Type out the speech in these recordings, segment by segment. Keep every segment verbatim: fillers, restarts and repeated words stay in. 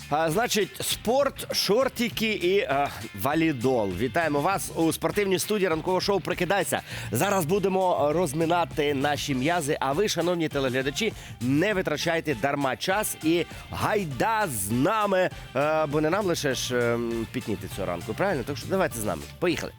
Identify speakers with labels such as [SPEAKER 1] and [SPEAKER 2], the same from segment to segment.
[SPEAKER 1] А, значить, спорт, шортики і а, валідол. Вітаємо вас у спортивній студії ранкового шоу «Прокидайся». Зараз будемо розминати наші м'язи, а ви, шановні телеглядачі, не витрачайте дарма час і гайда з нами, а, бо не нам лише ж а, пітніти цього ранку, правильно? Так що давайте з нами. Поїхали.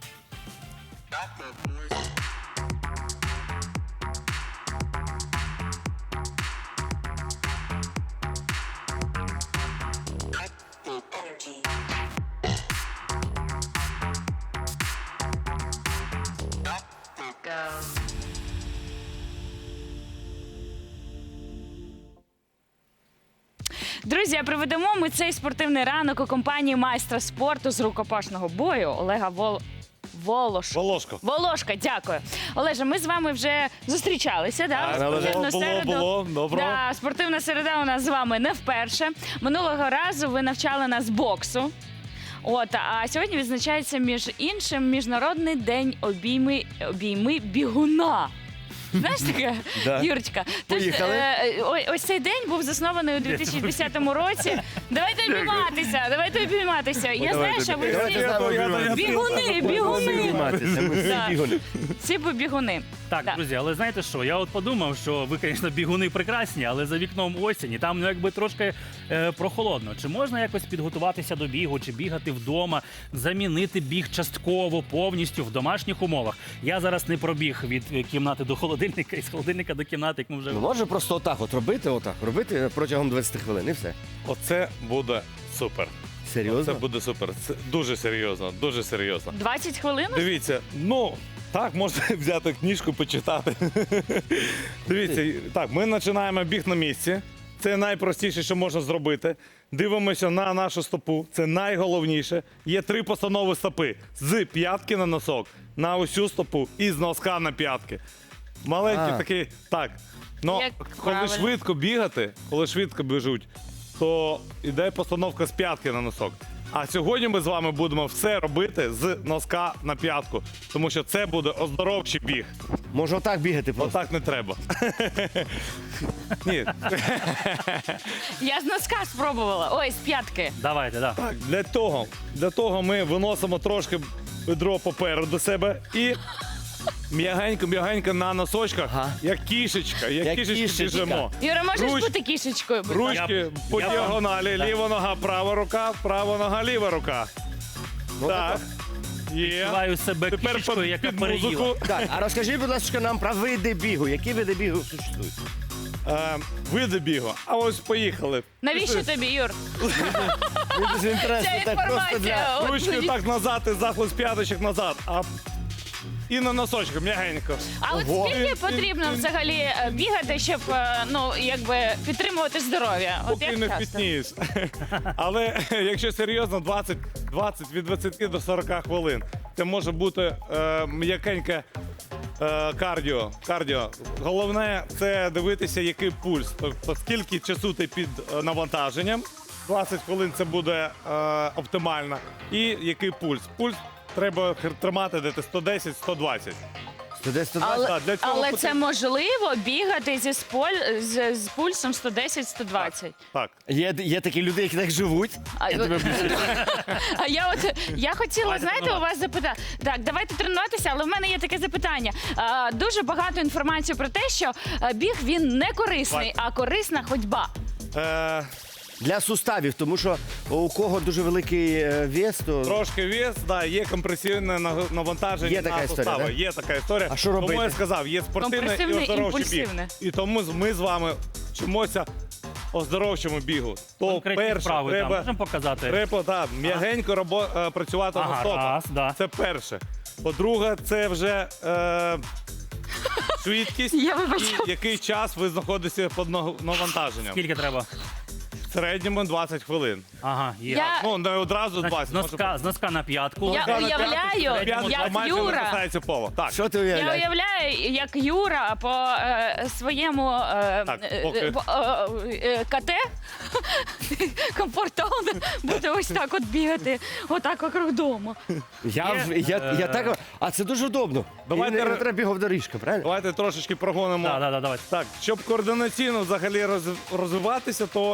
[SPEAKER 2] Друзі, проведемо ми цей спортивний ранок у компанії майстра спорту з рукопашного бою Олега Вол... Волошка.
[SPEAKER 3] Волошко.
[SPEAKER 2] Волошка, дякую. Олеже, ми з вами вже зустрічалися, да?
[SPEAKER 3] Так,
[SPEAKER 2] в спортивну
[SPEAKER 3] було,
[SPEAKER 2] середу.
[SPEAKER 3] було, доброго.
[SPEAKER 2] Да, спортивна середа у нас з вами не вперше. Минулого разу ви навчали нас боксу. От, а сьогодні відзначається, між іншим, Міжнародний день обійми, обійми бігуна. Знаєш таке,
[SPEAKER 1] Да.
[SPEAKER 2] Юрочка? Тож,
[SPEAKER 1] Поїхали.
[SPEAKER 2] е, о- ось цей день був заснований у дві тисячі десятому році. Давайте обійматися, давайте обійматися. Я знаю, що ви
[SPEAKER 1] Давайте
[SPEAKER 2] всі
[SPEAKER 1] з нами обійматися.
[SPEAKER 2] бігуни, бігуни.
[SPEAKER 1] Обійматися, ми всі
[SPEAKER 2] Да.
[SPEAKER 1] бігуни.
[SPEAKER 2] Всі б бігуни.
[SPEAKER 4] Так,
[SPEAKER 2] Да.
[SPEAKER 4] друзі, але знаєте що? Я от подумав, що ви, звісно, бігуни прекрасні, але за вікном осінь, і там ну, якби трошки е, прохолодно. Чи можна якось підготуватися до бігу, чи бігати вдома, замінити біг частково, повністю в домашніх умовах? Я зараз не пробіг від е, кімнати до холодильника, і з холодильника до кімнати, як ми вже...
[SPEAKER 1] Ну, може просто отак от робити, отак, робити протягом двадцяти хвилин і все.
[SPEAKER 3] Оце буде супер.
[SPEAKER 1] Серйозно?
[SPEAKER 3] Це буде супер. Це дуже серйозно, дуже серйозно.
[SPEAKER 2] двадцять хвилин?
[SPEAKER 3] Дивіться, ну так, можна взяти книжку, почитати. Дивіться, так, ми починаємо біг на місці. Це найпростіше, що можна зробити. Дивимося на нашу стопу. Це найголовніше. Є три постанови стопи: з п'ятки на носок, на усю стопу і з носка на п'ятки. Маленький
[SPEAKER 1] А.
[SPEAKER 3] такий, так. Ну,
[SPEAKER 2] Як
[SPEAKER 3] коли
[SPEAKER 2] правильно.
[SPEAKER 3] швидко бігати, коли швидко біжуть, то йде постановка з п'ятки на носок. А сьогодні ми з вами будемо все робити з носка на п'ятку, тому що це буде оздоровчий біг.
[SPEAKER 1] Може отак бігати просто?
[SPEAKER 3] Отак не треба. Ні,
[SPEAKER 2] Я з носка спробувала. Ой, з п'ятки.
[SPEAKER 4] Давайте, да.
[SPEAKER 3] так, для того, для того ми виносимо трошки бедро попереду себе і м'ягенько-м'ягенько на носочках,
[SPEAKER 1] Ага.
[SPEAKER 3] як кішечка, як,
[SPEAKER 1] Як
[SPEAKER 3] кішечки
[SPEAKER 1] кішечка.
[SPEAKER 3] біжимо.
[SPEAKER 2] Юра, можеш
[SPEAKER 3] Руч-
[SPEAKER 2] бути кішечкою? будь ласка?
[SPEAKER 3] Ручки
[SPEAKER 4] Я-
[SPEAKER 3] по
[SPEAKER 4] я-
[SPEAKER 3] діагоналі,
[SPEAKER 4] Так.
[SPEAKER 3] ліва нога, права рука, права нога, ліва рука.
[SPEAKER 1] Ну,
[SPEAKER 3] Так. Є.
[SPEAKER 4] Відчуваю себе
[SPEAKER 3] Тепер
[SPEAKER 4] кішечкою,
[SPEAKER 3] під,
[SPEAKER 4] яка
[SPEAKER 3] під
[SPEAKER 4] переїла.
[SPEAKER 3] музику.
[SPEAKER 1] Так, а розкажіть, будь ласка, нам про види бігу. Які види бігу существують?
[SPEAKER 3] Е, види бігу. А ось поїхали.
[SPEAKER 2] Навіщо тобі, Юр?
[SPEAKER 1] Мені дуже інтересно,
[SPEAKER 2] Ця
[SPEAKER 1] так просто для...
[SPEAKER 2] інформація. От
[SPEAKER 3] Ручки
[SPEAKER 2] мені-
[SPEAKER 3] так назад і захлист п'яточок назад. А і на носочок м'ягенько.
[SPEAKER 2] А от
[SPEAKER 1] Ого.
[SPEAKER 2] скільки потрібно взагалі е, бігати, щоб е, ну якби підтримувати здоров'я? От
[SPEAKER 3] Поки
[SPEAKER 2] як
[SPEAKER 3] не
[SPEAKER 2] часто?
[SPEAKER 3] впітнієш. Але якщо серйозно, двадцять, двадцять від двадцяти до сорока хвилин. Це може бути е, м'якеньке е, кардіо. кардіо. Головне це дивитися, який пульс. Тобто скільки часу ти під е, навантаженням. двадцять хвилин це буде е, оптимально. І який пульс. Пульс треба тримати десь сто десять - сто двадцять.
[SPEAKER 1] сто десять, сто двадцять.
[SPEAKER 2] Але,
[SPEAKER 3] Так, для цього
[SPEAKER 2] але
[SPEAKER 3] потрібно-
[SPEAKER 2] це можливо бігати зі споль, з, з пульсом сто десять - сто двадцять.
[SPEAKER 3] Так.
[SPEAKER 1] Є, є такі люди, які так живуть.
[SPEAKER 2] А, а я от я хотіла,
[SPEAKER 4] Давайте
[SPEAKER 2] знаєте, у
[SPEAKER 4] тренувати.
[SPEAKER 2] вас запитати. Так, давайте тренуватися, але в мене є таке запитання. А, дуже багато інформації про те, що а, біг він не корисний, а корисна ходьба.
[SPEAKER 3] Е,
[SPEAKER 1] Для суставів, тому що у кого дуже великий е, вес, то...
[SPEAKER 3] Трошки вес, да, є компресивне наг- навантаження
[SPEAKER 1] Є така
[SPEAKER 3] на
[SPEAKER 1] історія,
[SPEAKER 3] сустави.
[SPEAKER 1] да?
[SPEAKER 3] Є така історія.
[SPEAKER 1] А що робити?
[SPEAKER 3] Тому я сказав, є спортивне і
[SPEAKER 2] Компресивне,
[SPEAKER 3] оздоровчий біг.
[SPEAKER 2] імпульсивне.
[SPEAKER 3] І тому з- ми з вами вчимося оздоровчому бігу. То
[SPEAKER 4] Конкретні
[SPEAKER 3] перше,
[SPEAKER 4] вправи там
[SPEAKER 3] треба,
[SPEAKER 4] можемо показати?
[SPEAKER 3] треба так, м'ягенько робо- е, працювати
[SPEAKER 4] Ага,
[SPEAKER 3] на стопах.
[SPEAKER 4] раз, да.
[SPEAKER 3] Це перше. По-друге, це вже е, швидкість
[SPEAKER 2] Я вибачаю.
[SPEAKER 3] і який час ви знаходитеся під нав- навантаженням.
[SPEAKER 4] Скільки треба?
[SPEAKER 3] В середньому двадцять хвилин.
[SPEAKER 4] Ага, є.
[SPEAKER 2] Я,
[SPEAKER 3] Ну, не одразу
[SPEAKER 4] Значить,
[SPEAKER 3] двадцять.
[SPEAKER 4] з,
[SPEAKER 3] може
[SPEAKER 4] носка, з носка на п'ятку.
[SPEAKER 2] я
[SPEAKER 3] Нога на
[SPEAKER 2] уявляю,
[SPEAKER 3] П'яточка
[SPEAKER 2] як
[SPEAKER 3] майже не
[SPEAKER 2] Юра.
[SPEAKER 3] касається пола. Так.
[SPEAKER 1] Що ти
[SPEAKER 2] Я
[SPEAKER 1] уявляєш?
[SPEAKER 2] уявляю, як Юра по е, своєму е,
[SPEAKER 3] Так,
[SPEAKER 2] е,
[SPEAKER 3] поки.
[SPEAKER 2] е, по- е, е, КТ комфортовно буде ось так от бігати, отак вокруг дому.
[SPEAKER 1] Я, в- я, я так... А це дуже удобно.
[SPEAKER 3] Давайте
[SPEAKER 1] І не, не
[SPEAKER 3] ре-
[SPEAKER 1] треба бігов доріжка, правильно?
[SPEAKER 3] Давайте трошечки прогонимо.
[SPEAKER 4] Так, так, так, давайте.
[SPEAKER 3] Так, щоб координаційно взагалі роз- розвиватися, то є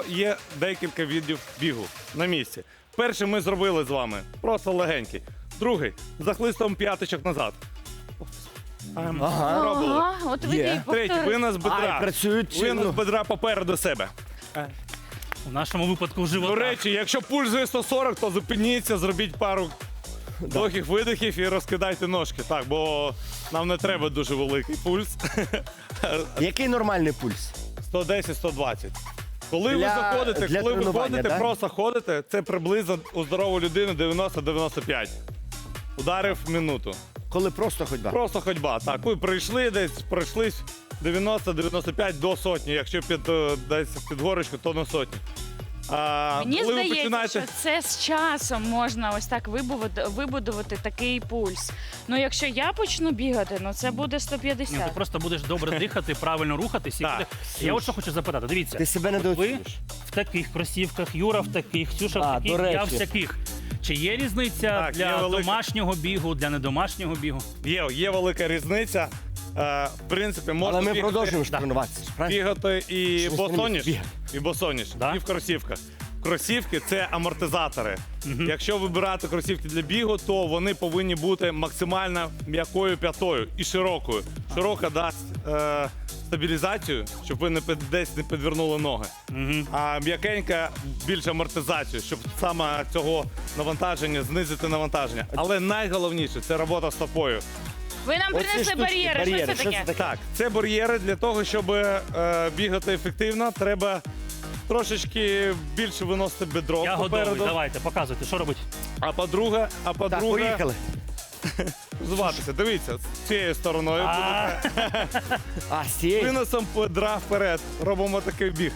[SPEAKER 3] декілька видів бігу на місці. Перший ми зробили з вами, просто легенький. Другий з захлистом п'яточок назад. Ем,
[SPEAKER 1] Ага.
[SPEAKER 3] Пробували.
[SPEAKER 2] Ага, от
[SPEAKER 1] Є.
[SPEAKER 2] ведіть,
[SPEAKER 3] Третій,
[SPEAKER 2] повтори.
[SPEAKER 3] винос бедра.
[SPEAKER 1] Ай, працюють,
[SPEAKER 3] Винос
[SPEAKER 1] ну.
[SPEAKER 3] бедра попереду себе.
[SPEAKER 4] В нашому випадку живота.
[SPEAKER 3] До речі, якщо пульс за сто сорок, то зупиніться, зробіть пару довгих видихів і розкидайте ножки. Так, бо нам не треба дуже великий пульс.
[SPEAKER 1] Який нормальний пульс?
[SPEAKER 3] сто десять - сто двадцять. Коли ви
[SPEAKER 1] Для-
[SPEAKER 3] заходите,
[SPEAKER 1] для
[SPEAKER 3] коли ви
[SPEAKER 1] тренування,
[SPEAKER 3] ходите,
[SPEAKER 1] да?
[SPEAKER 3] просто ходите, це приблизно у здорової людини дев'яносто - дев'яносто п'ять. Ударив в минуту.
[SPEAKER 1] Коли просто ходьба.
[SPEAKER 3] Просто ходьба. Так, ви прийшли десь, пройшлись дев'яносто - дев'яносто п'ять до сотні. Якщо під, е, десь під горочку, то на сотні. А,
[SPEAKER 2] Мені
[SPEAKER 3] коли ви
[SPEAKER 2] здається,
[SPEAKER 3] починаєте...
[SPEAKER 2] що це з часом можна ось так вибудувати, вибудувати такий пульс. Ну, якщо я почну бігати, ну це буде сто
[SPEAKER 4] Ні,
[SPEAKER 2] п'ятдесят.
[SPEAKER 4] ти просто будеш добре дихати, правильно рухатись. І
[SPEAKER 3] Так.
[SPEAKER 4] буде- Я от що хочу запитати. Дивіться,
[SPEAKER 1] Ти себе
[SPEAKER 4] от ви
[SPEAKER 1] недооцінюєш.
[SPEAKER 4] в таких кросівках, Юра в таких, Ксюша
[SPEAKER 1] А,
[SPEAKER 4] в таких,
[SPEAKER 1] до речі.
[SPEAKER 4] я в таких. Чи є різниця
[SPEAKER 3] Так, є
[SPEAKER 4] для
[SPEAKER 3] велика.
[SPEAKER 4] домашнього бігу, для недомашнього бігу?
[SPEAKER 3] Є, є велика різниця. Е, в принципі, можна
[SPEAKER 1] Але ми
[SPEAKER 3] бігати,
[SPEAKER 1] продовжуємо ж тренуватися. правильно?
[SPEAKER 3] бігати і
[SPEAKER 1] Що ви
[SPEAKER 3] босоніж,
[SPEAKER 1] бігати?
[SPEAKER 3] і босоніж,
[SPEAKER 4] Да?
[SPEAKER 3] і в кросівках. Кросівки – це амортизатори. Якщо вибирати кросівки для бігу, то вони повинні бути максимально м'якою п'ятою і широкою. Широка дасть е, стабілізацію, щоб ви не під, десь не підвернули ноги. А м'якенька більш амортизацію, щоб саме цього навантаження знизити навантаження. Але найголовніше це робота стопою.
[SPEAKER 2] Ви нам
[SPEAKER 1] Оці
[SPEAKER 2] принесли
[SPEAKER 1] штучки,
[SPEAKER 2] бар'єри.
[SPEAKER 1] бар'єри,
[SPEAKER 2] Що це
[SPEAKER 1] що
[SPEAKER 2] таке?
[SPEAKER 1] це таке?
[SPEAKER 3] Так, це бар'єри для того, щоб е, бігати ефективно, треба трошечки більше виносити бедро
[SPEAKER 4] Я готовий.
[SPEAKER 3] попереду.
[SPEAKER 4] Давайте, показуйте, що робити.
[SPEAKER 3] А по-друге, а
[SPEAKER 1] Так,
[SPEAKER 3] по-друге,
[SPEAKER 1] поїхали.
[SPEAKER 3] зватися. Дивіться, з цією стороною.
[SPEAKER 4] А,
[SPEAKER 1] А, з цієї?
[SPEAKER 3] Виносом бедра вперед. Робимо такий біг.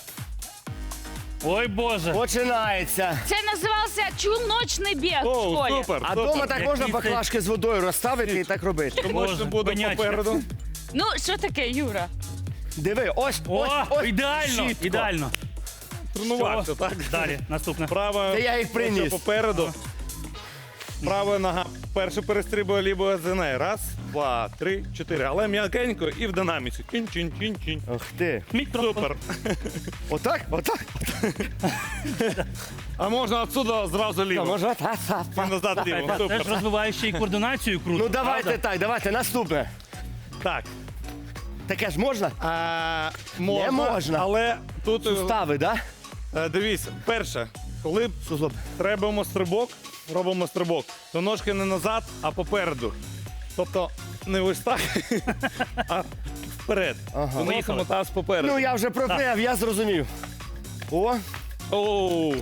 [SPEAKER 4] Ой, Боже.
[SPEAKER 1] Починається.
[SPEAKER 2] Це називався чулночний біг в
[SPEAKER 3] О,
[SPEAKER 2] школі.
[SPEAKER 3] супер!
[SPEAKER 1] А
[SPEAKER 3] супер.
[SPEAKER 1] вдома так
[SPEAKER 4] Який
[SPEAKER 1] можна
[SPEAKER 4] це-
[SPEAKER 1] баклажки з водою розставити і так робити.
[SPEAKER 3] Тому що
[SPEAKER 4] Боже,
[SPEAKER 3] буде
[SPEAKER 4] коняче.
[SPEAKER 3] попереду.
[SPEAKER 2] Ну, що таке, Юра?
[SPEAKER 1] Диви, ось,
[SPEAKER 4] О,
[SPEAKER 1] ось, ось.
[SPEAKER 4] ідеально,
[SPEAKER 1] чітко.
[SPEAKER 4] ідеально.
[SPEAKER 3] Тренувався,
[SPEAKER 4] Що?
[SPEAKER 3] так?
[SPEAKER 4] Далі, наступне.
[SPEAKER 3] Права
[SPEAKER 1] Та я їх приніс.
[SPEAKER 3] плече попереду. Права нога перше перестрибує лівою за нею. Раз, два, три, чотири. Але м'якенько і в динаміці. Чин-чин-чин-чин.
[SPEAKER 1] Ох ти.
[SPEAKER 4] Мікрофон.
[SPEAKER 3] Супер.
[SPEAKER 1] Отак, отак.
[SPEAKER 3] А можна отсюда зразу
[SPEAKER 1] Та,
[SPEAKER 3] ліво.
[SPEAKER 1] може, та, та,
[SPEAKER 3] І
[SPEAKER 1] та.
[SPEAKER 3] назад ліво.
[SPEAKER 4] Це
[SPEAKER 3] Супер.
[SPEAKER 4] ж розвиває ще й координацію круто.
[SPEAKER 1] Ну давайте
[SPEAKER 4] правда?
[SPEAKER 1] так, давайте наступне.
[SPEAKER 3] Так.
[SPEAKER 1] Таке ж можна?
[SPEAKER 3] А, можна,
[SPEAKER 1] Не можна.
[SPEAKER 3] Але тут е,
[SPEAKER 1] Сустави, да?
[SPEAKER 3] е, дивіться, перше, коли
[SPEAKER 1] Суглоб.
[SPEAKER 3] робимо стрибок, робимо стрибок, то ножки не назад, а попереду. Тобто не ось так, а вперед.
[SPEAKER 1] Ага.
[SPEAKER 3] Виносимо
[SPEAKER 4] Поїхали.
[SPEAKER 3] таз попереду.
[SPEAKER 1] Ну я вже пропев, я зрозумів. О,
[SPEAKER 3] Оу.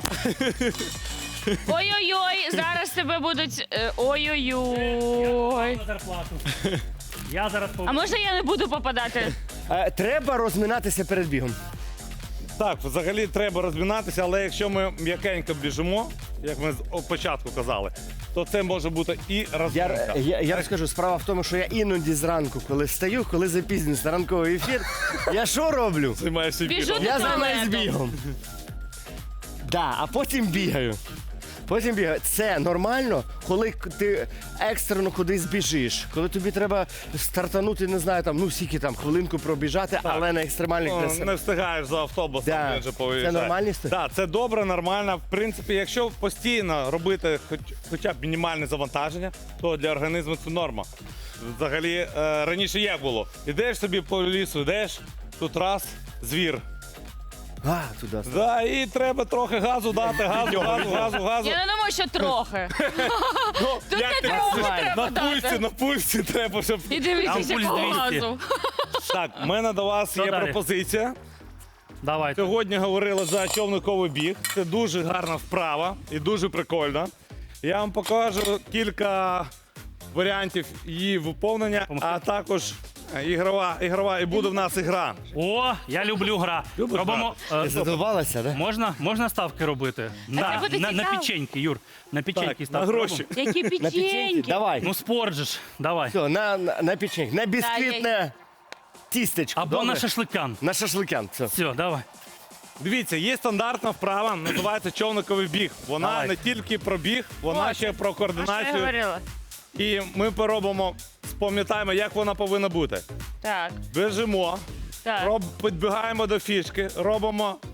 [SPEAKER 2] Ой-ой-ой, зараз тебе будуть. е, Ой-ой-ой.
[SPEAKER 4] На зарплату. Я зараз
[SPEAKER 2] А можна я не буду попадати?
[SPEAKER 1] е, треба розминатися перед бігом.
[SPEAKER 3] Так, взагалі треба розмінатися, але якщо ми м'якенько біжимо, як ми з о- початку казали, то це може бути і
[SPEAKER 1] Я,
[SPEAKER 3] розминка.
[SPEAKER 1] я, я розкажу, справа в тому, що я іноді зранку, коли встаю, коли запізнююсь на ранковий ефір, я що роблю?
[SPEAKER 3] Займаєшся
[SPEAKER 2] Біжу
[SPEAKER 3] бігом.
[SPEAKER 2] до
[SPEAKER 1] Я займаюсь
[SPEAKER 2] туалету.
[SPEAKER 1] бігом. Да, а потім бігаю. Потім бігаю. Це нормально, коли к- ти екстрено кудись біжиш, коли тобі треба стартанути, не знаю, там, ну скільки там, хвилинку пробіжати, але на екстремальних
[SPEAKER 3] Ну,
[SPEAKER 1] трасах.
[SPEAKER 3] не встигаєш за автобусом,
[SPEAKER 1] Да.
[SPEAKER 3] він же
[SPEAKER 1] Це
[SPEAKER 3] поїжджає.
[SPEAKER 1] нормальність?
[SPEAKER 3] Так, це добре, нормально. В принципі, якщо постійно робити хоч, хоча б мінімальне завантаження, то для організму це норма. Взагалі, е, раніше як було? Ідеш собі по лісу, йдеш, тут раз, звір.
[SPEAKER 1] А, туди.
[SPEAKER 3] Да, і треба трохи газу дати, газу, газу, газу, газу.
[SPEAKER 2] Я не думаю, що трохи.
[SPEAKER 3] Ну,
[SPEAKER 2] Тут
[SPEAKER 3] як
[SPEAKER 2] не
[SPEAKER 3] ти-
[SPEAKER 2] трохи
[SPEAKER 3] на
[SPEAKER 2] треба
[SPEAKER 3] пульсі,
[SPEAKER 2] дати.
[SPEAKER 3] на пульсі треба, щоб...
[SPEAKER 2] І дивіться,
[SPEAKER 4] Там пульс
[SPEAKER 2] якого
[SPEAKER 4] двісті.
[SPEAKER 2] газу.
[SPEAKER 3] Так, в мене до вас
[SPEAKER 4] Що
[SPEAKER 3] є
[SPEAKER 4] далі?
[SPEAKER 3] пропозиція.
[SPEAKER 4] Давайте.
[SPEAKER 3] Сьогодні говорили за човниковий біг. Це дуже гарна вправа і дуже прикольно. Я вам покажу кілька варіантів її виповнення, а також ігрова, ігрова і буде в нас ігра.
[SPEAKER 4] О, я люблю гра.
[SPEAKER 3] Любиш
[SPEAKER 4] Робимо.
[SPEAKER 1] Ти
[SPEAKER 4] е,
[SPEAKER 1] задовбалася, да?
[SPEAKER 4] Можна, можна ставки робити? На,
[SPEAKER 2] буде
[SPEAKER 4] на, на
[SPEAKER 2] цікаво.
[SPEAKER 4] печеньки, Юр. На печеньки
[SPEAKER 3] Так,
[SPEAKER 4] ставки
[SPEAKER 3] на гроші.
[SPEAKER 4] робимо.
[SPEAKER 2] Які
[SPEAKER 1] На печеньки?
[SPEAKER 2] печеньки.
[SPEAKER 1] Давай.
[SPEAKER 4] Ну, спорт же ж. Давай.
[SPEAKER 1] Все, на, на, на печеньки. На бісквітне тістечко.
[SPEAKER 4] Або
[SPEAKER 1] добре?
[SPEAKER 4] на шашликан.
[SPEAKER 1] На шашликян. Все.
[SPEAKER 4] Все, давай.
[SPEAKER 3] Дивіться, є стандартна вправа, називається човниковий біг. Вона
[SPEAKER 1] Давай.
[SPEAKER 3] не тільки про біг, вона
[SPEAKER 2] Ось.
[SPEAKER 3] ще про
[SPEAKER 2] А що я
[SPEAKER 3] координацію.
[SPEAKER 2] говорила?
[SPEAKER 3] І ми поробимо, спам'ятаємо, як вона повинна бути.
[SPEAKER 2] Так,
[SPEAKER 3] Біжимо,
[SPEAKER 2] так.
[SPEAKER 3] роб, підбігаємо до фішки, робимо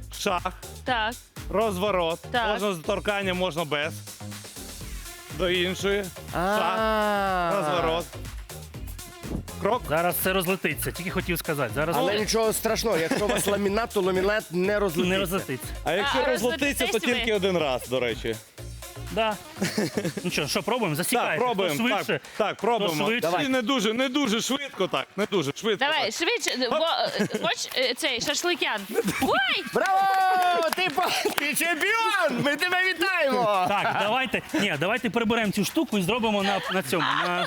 [SPEAKER 3] шах,
[SPEAKER 2] Так.
[SPEAKER 3] розворот.
[SPEAKER 2] Так.
[SPEAKER 3] Можна з торканням, можна без. До іншої. Шах,
[SPEAKER 1] А.
[SPEAKER 3] розворот. Крок.
[SPEAKER 4] Зараз все розлетиться, тільки хотів сказати. Зараз
[SPEAKER 1] Але нічого страшного, якщо у вас ламінат, то ламінат не розлетиться.
[SPEAKER 4] не розлетиться.
[SPEAKER 3] А якщо
[SPEAKER 2] А,
[SPEAKER 3] розлетиться, то
[SPEAKER 2] розлетитись ви?
[SPEAKER 3] тільки один раз, до речі.
[SPEAKER 4] Да. Ну що, що, пробуємо? Засікайте.
[SPEAKER 3] Так, пробуємо.
[SPEAKER 4] Хто швидше,
[SPEAKER 3] Так, так, пробуємо.
[SPEAKER 4] швидше.
[SPEAKER 3] І не дуже, не дуже швидко так. Не дуже швидко.
[SPEAKER 2] Давай,
[SPEAKER 3] так.
[SPEAKER 2] швидше, бо е, хоч е, цей шашликян. Ой!
[SPEAKER 1] Браво! Ти, по- ти чемпіон! Ми тебе вітаємо!
[SPEAKER 4] Так, давайте. Ні, давайте приберемо цю штуку і зробимо на, на цьому. На...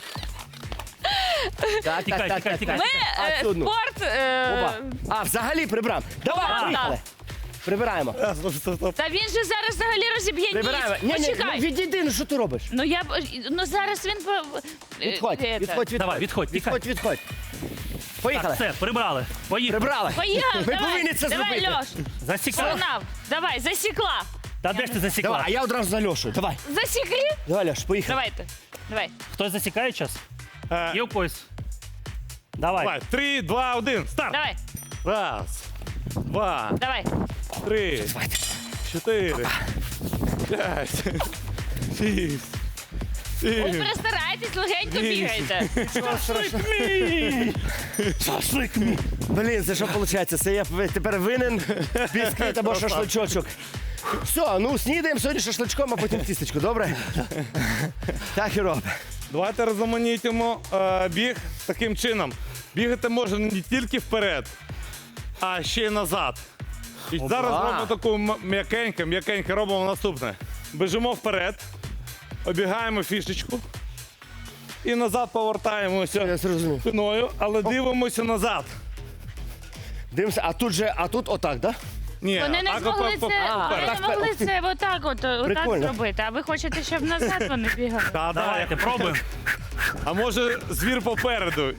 [SPEAKER 1] Так,
[SPEAKER 4] Тікай, тікай, тікай.
[SPEAKER 2] Ми
[SPEAKER 1] А,
[SPEAKER 2] е,
[SPEAKER 1] цю одну.
[SPEAKER 2] спорт. е,
[SPEAKER 1] Оба. А, взагалі прибрав. Давай,
[SPEAKER 2] Опа.
[SPEAKER 1] поїхали. Прибираємо.
[SPEAKER 3] А, стоп, стоп, стоп.
[SPEAKER 2] Та він же зараз взагалі розіб'є
[SPEAKER 1] Прибираємо.
[SPEAKER 2] ніс.
[SPEAKER 1] Ні, ні, ну,
[SPEAKER 2] Почекай.
[SPEAKER 1] відійди, ну що ти робиш?
[SPEAKER 2] Ну я б- ну зараз він по- е,
[SPEAKER 1] Відходь,
[SPEAKER 2] е,
[SPEAKER 1] відходь, відходь.
[SPEAKER 4] Давай, відходь, тікай.
[SPEAKER 1] Відходь, відходь. Поїхали.
[SPEAKER 4] Так, все, прибрали. Поїхали.
[SPEAKER 1] Прибрали.
[SPEAKER 2] Поїхав,
[SPEAKER 1] Ми
[SPEAKER 2] давай,
[SPEAKER 1] повинні це
[SPEAKER 2] давай,
[SPEAKER 1] зробити.
[SPEAKER 2] Льош.
[SPEAKER 4] Засікали.
[SPEAKER 2] Погнав. Давай, засікла.
[SPEAKER 4] Та де ж ти засікла?
[SPEAKER 1] Давай, а я одразу за Льошу. Давай.
[SPEAKER 2] Засікли?
[SPEAKER 1] Давай, Льош, поїхали.
[SPEAKER 2] Давайте. Давай.
[SPEAKER 4] Хтось засікає час?
[SPEAKER 3] Е,
[SPEAKER 4] Є у когось? Давай.
[SPEAKER 3] Давай, три, два, один, старт.
[SPEAKER 2] Давай.
[SPEAKER 3] Раз, два,
[SPEAKER 2] Давай.
[SPEAKER 3] три, чотири, п'ять, шість,
[SPEAKER 2] Ви
[SPEAKER 3] сім.
[SPEAKER 2] перестарайтесь, легенько бігайте.
[SPEAKER 4] Шашлик мій! Шашлик мій!
[SPEAKER 1] Блін, це що виходить? Це я ви- тепер винен бісквіт або шашличочок. Все, ну снідаємо сьогодні шашличком, а потім тістечко, добре? Так і робимо.
[SPEAKER 3] Давайте розуманітимо е, біг таким чином. Бігати можна не тільки вперед, а ще й назад. І зараз робимо таку м- м'якеньке, м'якеньке, робимо наступне. Біжимо вперед, обігаємо фішечку і назад повертаємося
[SPEAKER 1] Я зрозумів.
[SPEAKER 3] спиною, але дивимося назад.
[SPEAKER 1] Дивимося, а тут же, а тут отак, так?
[SPEAKER 3] Ні,
[SPEAKER 2] Вони не
[SPEAKER 3] так,
[SPEAKER 2] змогли
[SPEAKER 3] по- по-
[SPEAKER 2] це,
[SPEAKER 1] А,
[SPEAKER 2] вони
[SPEAKER 1] так,
[SPEAKER 2] не могли
[SPEAKER 1] ух ти.
[SPEAKER 2] це отак от, отак
[SPEAKER 1] Прикольно.
[SPEAKER 2] зробити. А ви хочете, щоб назад вони бігали?
[SPEAKER 3] Та, да,
[SPEAKER 4] Давайте, пробуємо.
[SPEAKER 3] А може звір попереду?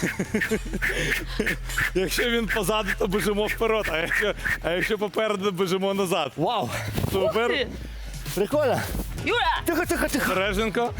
[SPEAKER 3] Якщо він позаду, то біжимо вперед, а якщо, а якщо попереду, біжимо назад.
[SPEAKER 1] Вау!
[SPEAKER 3] Супер.
[SPEAKER 2] Ти.
[SPEAKER 1] Прикольно.
[SPEAKER 2] Юра!
[SPEAKER 1] Тихо, тихо, тихо.
[SPEAKER 3] Береженко.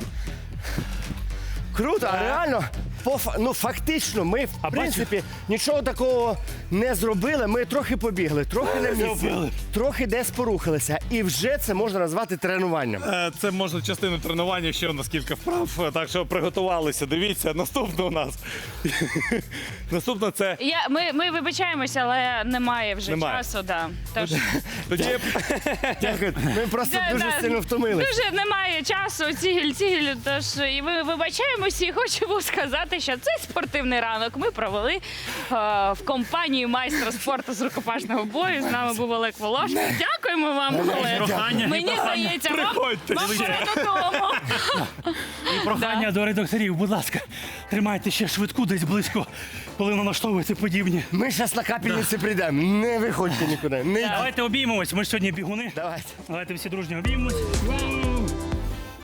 [SPEAKER 1] Круто, а реально, по, фа- ну фактично, ми в
[SPEAKER 4] А
[SPEAKER 1] принципі нічого такого не зробили. Ми трохи побігли, трохи на місці, трохи десь порухалися. І вже це можна назвати тренуванням.
[SPEAKER 3] Е, Це можна частину тренування, ще у нас кілька вправ, так що приготувалися. Дивіться, наступне у нас. Наступне це
[SPEAKER 2] Я, ми, ми вибачаємося, але немає вже
[SPEAKER 3] Немає.
[SPEAKER 2] часу. Да. Тож,
[SPEAKER 3] тоді
[SPEAKER 1] Дякую. Ми просто
[SPEAKER 2] Да,
[SPEAKER 1] дуже
[SPEAKER 2] да.
[SPEAKER 1] сильно втомилися.
[SPEAKER 2] дуже немає часу, цігіль, цігіль. Тож і ми вибачаємося і хочемо сказати, що цей спортивний ранок ми провели е, в компанії майстра спорту з рукопашного бою. З нами був Олег Волошин. Дякуємо вам, Олег.
[SPEAKER 4] Прохання,
[SPEAKER 2] Мені здається, вам,
[SPEAKER 3] Приходьте
[SPEAKER 2] вам
[SPEAKER 3] ще.
[SPEAKER 2] пора додому.
[SPEAKER 4] і прохання до редакторів, будь ласка, тримайте ще швидку десь близько, коли налаштовуєте подібні.
[SPEAKER 1] Ми зараз на капельниці прийдемо. Не виходьте нікуди. Не йдіть.
[SPEAKER 4] Давайте обіймемось, ми ж сьогодні бігуни.
[SPEAKER 1] Давайте.
[SPEAKER 4] Давайте всі дружньо обіймемось.